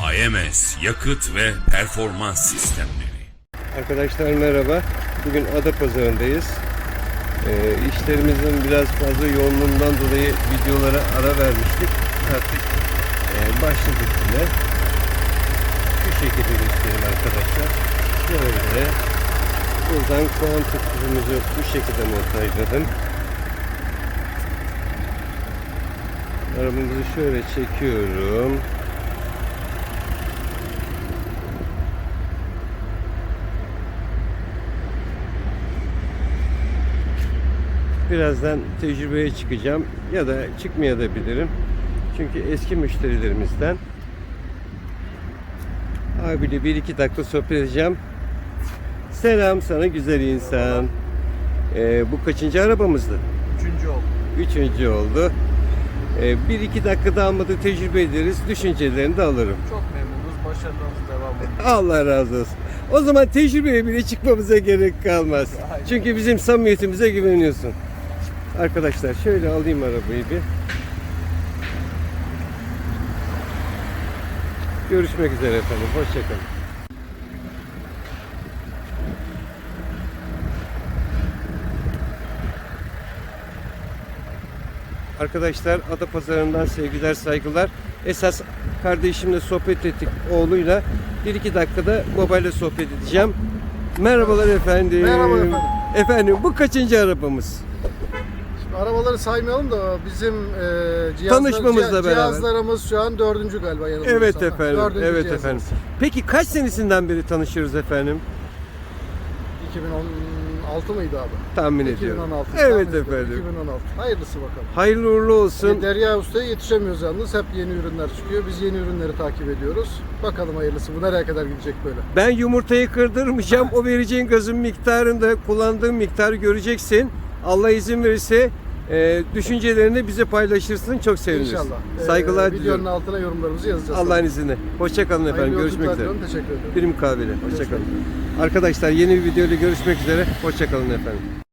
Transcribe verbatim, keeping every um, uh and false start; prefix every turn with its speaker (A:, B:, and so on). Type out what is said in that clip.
A: A M S Yakıt ve Performans Sistemleri.
B: Arkadaşlar merhaba. Bugün Adapazarı'ndayız. Ee, işlerimizin biraz fazla yoğunluğundan dolayı videolara ara vermiştik. Artık e, başladık yine. Şu şekilde göstereyim arkadaşlar. Böyle. Buradan kuantum tüpümüzü bu şekilde montajladım. Arabamızı şöyle çekiyorum. Birazdan tecrübeye çıkacağım ya da çıkmayabilirim. Çünkü eski müşterilerimizden abiyle bir iki dakika sohbet edeceğim. Selam sana güzel insan. Ee, bu kaçıncı arabamızdı?
C: Üçüncü oldu.
B: Üçüncü oldu. Ee, bir iki dakika almadı tecrübe ederiz. Düşüncelerini de alırım.
C: Çok memnunuz. Başarılarınız devam ediyor.
B: Allah razı olsun. O zaman tecrübeye bile çıkmamıza gerek kalmaz.
C: Aynen.
B: Çünkü bizim samimiyetimize güveniyorsun. Arkadaşlar şöyle alayım arabayı bir. Görüşmek üzere efendim. Hoşçakalın. Arkadaşlar Adapazarı'ndan sevgiler saygılar. Esas kardeşimle sohbet ettik oğluyla. Bir iki dakikada babayla sohbet edeceğim. Merhabalar efendim.
C: Merhaba efendim.
B: Efendim bu kaçıncı arabamız?
C: Şimdi arabaları saymayalım da bizim e, cihazlar,
B: Tanışmamızla
C: cih-
B: beraber.
C: cihazlarımız şu an dördüncü galiba yanılmıyorsam.
B: Evet efendim.
C: Dördüncü
B: Evet
C: cihazımız.
B: efendim. Peki kaç senesinden beri tanışıyoruz efendim?
C: iki bin on altı mıydı abi?
B: Tahmin
C: iki bin
B: ediyorum.
C: on altı.
B: Evet
C: tahmin ediyorum.
B: efendim.
C: iki bin on altı. Hayırlısı bakalım.
B: Hayırlı uğurlu olsun.
C: E, Derya Usta'ya yetişemiyoruz yalnız. Hep yeni ürünler çıkıyor. Biz yeni ürünleri takip ediyoruz. Bakalım hayırlısı. Bu nereye kadar gidecek böyle?
B: Ben yumurtayı kırdırmayacağım. O vereceğin gazın miktarında kullandığın miktarı göreceksin. Allah izin verirse e, düşüncelerini bize paylaşırsın. Çok seviniriz.
C: İnşallah. E,
B: Saygılar
C: videonun
B: diliyorum.
C: altına yorumlarımızı yazacağız.
B: Allah'ın izniyle. Hoşçakalın efendim.
C: Hayırlı
B: Görüşmek
C: yolculuklar
B: üzere.
C: diliyorum. Teşekkür ederim.
B: Bir mukabele. Hoşçakalın. Arkadaşlar yeni bir videoyla görüşmek üzere. Hoşçakalın efendim.